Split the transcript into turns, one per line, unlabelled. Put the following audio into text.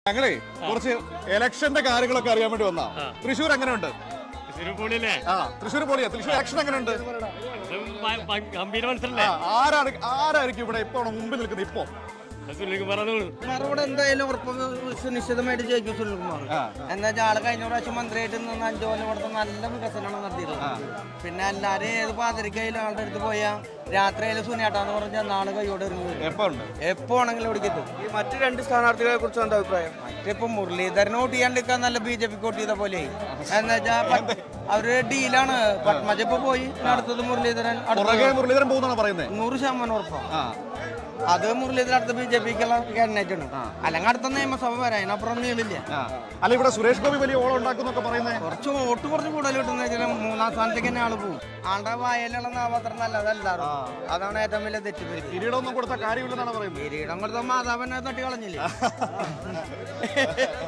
ഞങ്ങളെ കുറച്ച് ഇലക്ഷന്റെ കാര്യങ്ങളൊക്കെ അറിയാൻ വേണ്ടി വന്നാ. തൃശ്ശൂർ എങ്ങനെയുണ്ട്? തൃശ്ശൂർ പൊളിയാ. തൃശ്ശൂർ ഇലക്ഷൻ എങ്ങനെയുണ്ട്? ആരായിരിക്കും ഇവിടെ ഇപ്പൊ മുമ്പിൽ നിൽക്കുന്നത്? ഇപ്പൊ
എന്തായാലും ഉറപ്പ് നിശ്ചിതമായിട്ട് ജയിക്കും സുനിൽകുമാർ. എന്താ വെച്ചാൽ ആള് കഴിഞ്ഞ പ്രാവശ്യം മന്ത്രിയായിട്ട് നിന്ന് 5 കൊല്ലം ഇവിടുത്തെ നല്ല വികസനമാണ് നടത്തിയിട്ടുള്ളത്. പിന്നെ എല്ലാരും ഏത് പാതിരിക്കയിലും ആളുടെ അടുത്ത് പോയാൽ രാത്രിയിലും സുനിയാട്ടാന്ന് പറഞ്ഞാൽ നാളെ കൈയോടെ എപ്പോ ആണെങ്കിലും ഇവിടെ എത്തും.
ഈ മറ്റു 2 സ്ഥാനാർത്ഥികളെ കുറിച്ച് എന്താ അഭിപ്രായം?
മറ്റിപ്പോ മുരളീധരനെ വോട്ട് ചെയ്യാണ്ടിരിക്കാൻ നല്ല BJP വോട്ട് ചെയ്ത പോലെ. എന്താ വെച്ചാൽ അവര് ഡീലാണ്. പത്മജ ഇപ്പൊ പോയി, അടുത്തത് മുരളീധരൻ.
മുരളീധരൻ പോകുന്നാണ് പറയുന്നത്.
100% ഉറപ്പാണ്. അത് മുരളീധരൻ അടുത്ത BJPക്കുള്ള കാൻഡിഡേറ്റ് ആണ്. അല്ലെങ്കിൽ അടുത്ത നിയമസഭ വരാം, അതിനപ്പുറം നീളില്ല.
അല്ല, ഇവിടെ സുരേഷ് ഗോപി വലിയ ഓളം ഉണ്ടാക്കുന്നൊക്കെ പറയുന്നത്.
കുറച്ച് കൂടുതൽ കിട്ടുന്ന 3ാം സ്ഥാനത്തേക്ക് തന്നെ ആള് പോകും. ആളുടെ വായലുള്ള നാമത്രം നല്ലതല്ലാറും. അതാണ് ഏറ്റവും വലിയ തെറ്റുപറ്റി.
കിരീടമൊന്നും കൊടുത്ത കാര്യമില്ലെന്നാണ് പറയുന്നത്.
കിരീടം കൊടുത്ത മാതാവിനെ തട്ടി കളഞ്ഞില്ലേ?